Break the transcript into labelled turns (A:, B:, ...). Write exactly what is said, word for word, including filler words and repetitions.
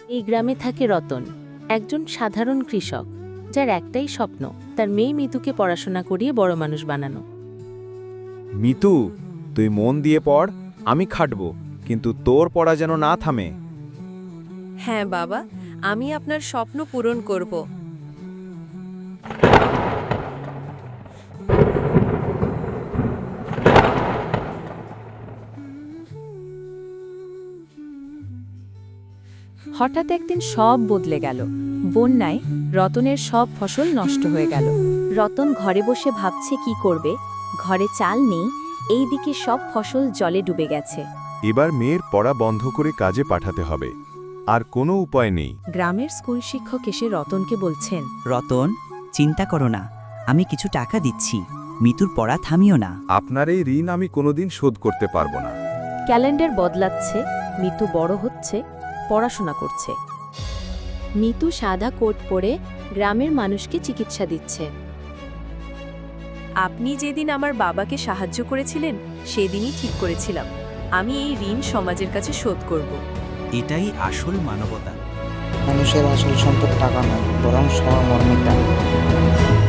A: এই গ্রামে থাকে রতন, একজন সাধারণ কৃষক, যার একটাই স্বপ্ন তার মেয়ে মিতুকে পড়াশোনা করিয়ে বড় মানুষ বানানো।
B: মিতু, তুই মন দিয়ে পড়, আমি খাটব, কিন্তু তোর পড়া যেন না থামে।
C: হ্যাঁ বাবা, আমি আপনার স্বপ্ন পূরণ করব।
D: হঠাৎ একদিন সব বদলে গেল। বন্যায় রতনের সব ফসল নষ্ট হয়ে গেল।
A: রতন ঘরে বসে ভাবছে কি করবে। ঘরে চাল নেই, এইদিকে সব ফসল জলে ডুবে গেছে।
E: এবার মেয়ের পড়া বন্ধ করে কাজে পাঠাতে হবে, আর কোনো উপায় নেই।
D: গ্রামের স্কুল শিক্ষক এসে রতনকে বলছেন,
F: রতন, চিন্তা করো না, আমি কিছু টাকা দিচ্ছি, মিতুর পড়া থামিও না।
E: আপনার এই ঋণ আমি কোনোদিন শোধ করতে পারবো না।
A: ক্যালেন্ডার বদলাচ্ছে, মিতু বড় হচ্ছে, পড়াশোনা করছে। মিতু সাদা কোট পরে গ্রামের মানুষকে চিকিৎসা দিচ্ছে।
C: আপনি যেদিন আমার বাবাকে সাহায্য করেছিলেন সেদিনই ঠিক করেছিলাম, আমি এই ঋণ সমাজের কাছে শোধ করব।
F: এটাই আসল মানবতা।
G: মানুষের আসল সম্পদ টাকা নয়, বরং সহমর্মিতা।